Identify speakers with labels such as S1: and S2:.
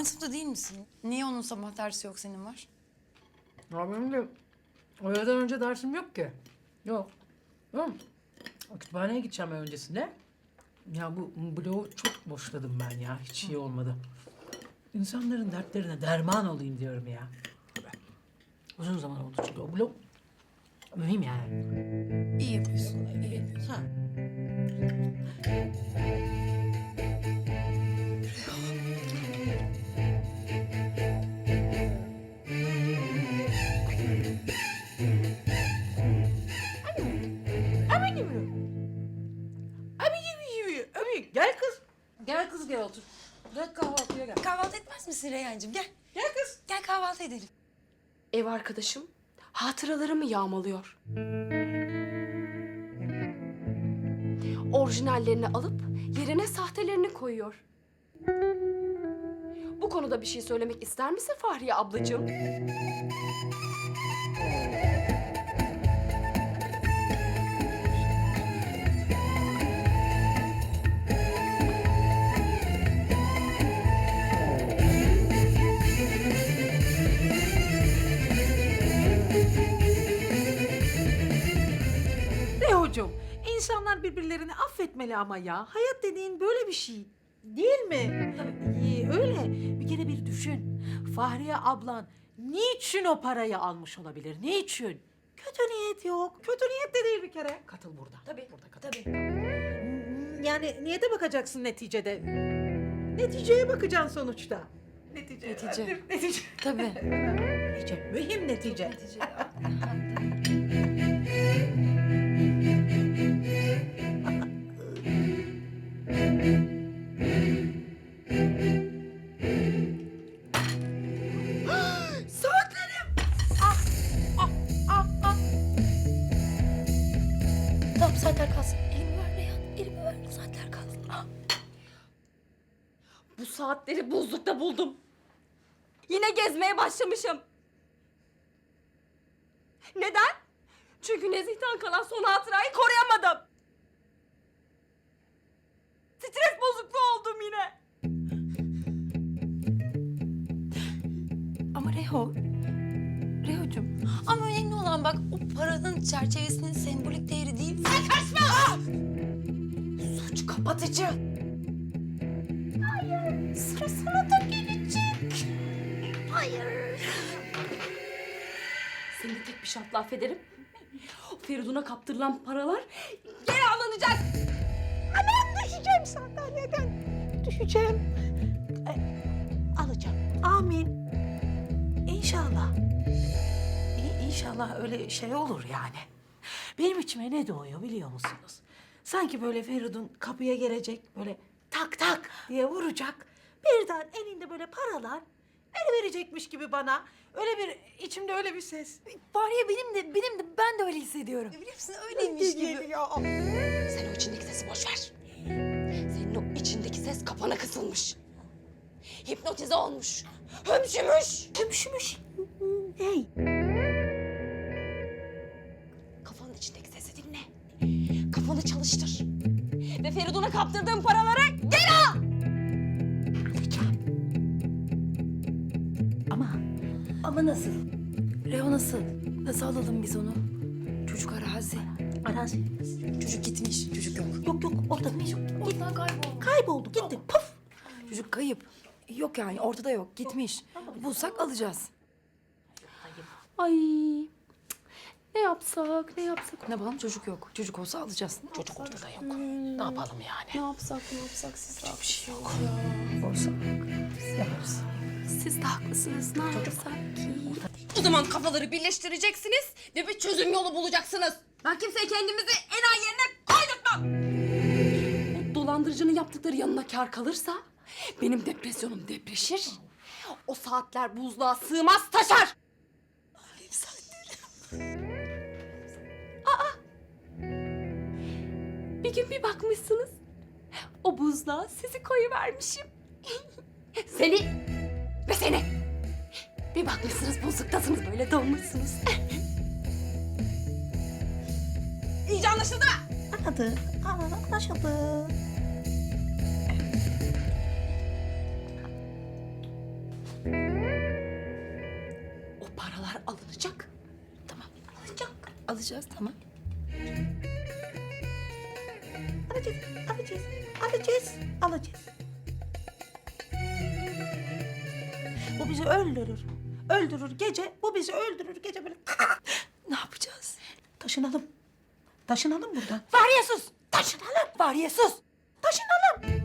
S1: aynı sınıfta değil misin? Niye onun sabah dersi yok, senin var?
S2: Ya benim de öğleden önce dersim yok ki. Yok. Yok. Kütüphaneye gideceğim ben öncesinde. Ya bu bloğu çok boşladım ben ya. Hiç iyi olmadı. İnsanların dertlerine derman olayım diyorum ya. Uzun zaman oldu çünkü o blok mühim yani.
S1: İyi yapıyorsun. İyi yapıyorsun.
S2: Ha. Abi gel kız. Gel kız gel otur. Gel kahvaltıya gel.
S1: Kahvaltı etmez misin Reyhancığım? Gel.
S2: Gel kız.
S1: Gel kahvaltı edelim.
S3: Ev arkadaşım hatıralarımı yağmalıyor. Orijinallerini alıp yerine sahtelerini koyuyor. Bu konuda bir şey söylemek ister misin Fahriye ablacığım?
S4: Rehocuğum, insanlar birbirlerini affetmeli ama ya. Hayat dediğin böyle bir şey. Değil mi? Öyle. Bir kere bir düşün. Fahriye ablan niçin o parayı almış olabilir? Niçin? Kötü niyet yok. Kötü niyet de değil bir kere. Katıl burada.
S1: Tabii.
S4: Burada katıl.
S1: Tabii.
S4: Yani niyete bakacaksın neticede. Neticeye bakacaksın sonuçta. Netice.
S1: Netice.
S4: Netice.
S1: Tabii.
S4: Netice. Mühim netice.
S1: Tamam, saatler kalsın. Elimi ver Reyhan. Elimi ver. Saatler kalsın. Ah.
S3: Bu saatleri buzlukta buldum. Yine gezmeye başlamışım. Neden? Çünkü Nezih'ten kalan son hatırayı koruyamadım. Stres bozukluğu oldum yine.
S1: Ama Reho'cum. Ama önemli olan bak o paranın çerçevesinin sembolik değeri değil. Sen kaçma! Suç kapatıcı. Hayır. Sıra sana da gelecek. Hayır.
S3: Seni de tek bir şartla affederim. O Feridun'a kaptırılan paralar geri alınacak.
S4: Düşeceğim sandalyeden. Düşeceğim. Alacağım. Amin. İnşallah. İnşallah öyle şey olur yani. Benim içime ne doğuyor biliyor musunuz? Sanki böyle Feridun kapıya gelecek, böyle tak tak diye vuracak. Birden elinde böyle paralar verecekmiş gibi bana. Öyle bir içimde öyle bir ses.
S1: Fahriye benim de ben de öyle hissediyorum. Biliyor musun öyleymiş gibi.
S3: Sen o içindeki sesi boş ver. Senin o içindeki ses kafana kısılmış. Hipnotize olmuş. Hömşümüş.
S4: Hümşümüş. Hey.
S3: Kafanın içindeki sesi dinle. Kafanı çalıştır. Ve Feridun'a kaptırdığın paraları geri al.
S4: Alacağım. Ama nasıl?
S1: Reho nasıl? Nasıl alalım biz onu? Çocuk arazi.
S4: Arazi.
S1: Çocuk gitmiş. Çocuk yok.
S4: Yok ortada yok.
S1: Ortadan kayboldu.
S4: Kayboldu gitti. Puf.
S1: Çocuk kayıp. Yok yani ortada yok. Gitmiş. Bulsak alacağız.
S3: Ay. Ne yapsak?
S1: Ne yapalım? Çocuk yok. Çocuk olsa alacağız.
S4: Çocuk ortada yok. Ne yapalım yani?
S3: Ne yapsak siz
S4: Bir şey yok.
S1: Olsa yaparız.
S3: Siz de haklısınız. Ne yapsak ki? O zaman kafaları birleştireceksiniz ve bir çözüm yolu bulacaksınız. Ben kimseye kendimizi enayi yerine koydurtmam. O dolandırıcının yaptıkları yanına kar kalırsa benim depresyonum depreşir. O saatler buzluğa sığmaz taşar. Aa! Bir gün bir bakmışsınız. O buzluğa sizi koyuvermişim. Seni ve seni. Bir bakmışsınız buzluktasınız böyle donmuşsunuz. İyice anlaşıldı mı?
S4: Anladı. Anlaşıldı. paralar alınacak.
S1: Tamam.
S4: Alınacak.
S1: Alacağız tamam.
S4: Alacağız, alacağız, alacağız, alacağız. Bu bizi öldürür. Öldürür gece, bu bizi öldürür gece böyle.
S1: Ne yapacağız?
S4: Taşınalım. Taşınalım buradan.
S1: Var ya sus.
S4: Taşınalım.
S1: Var ya sus.
S4: Taşınalım.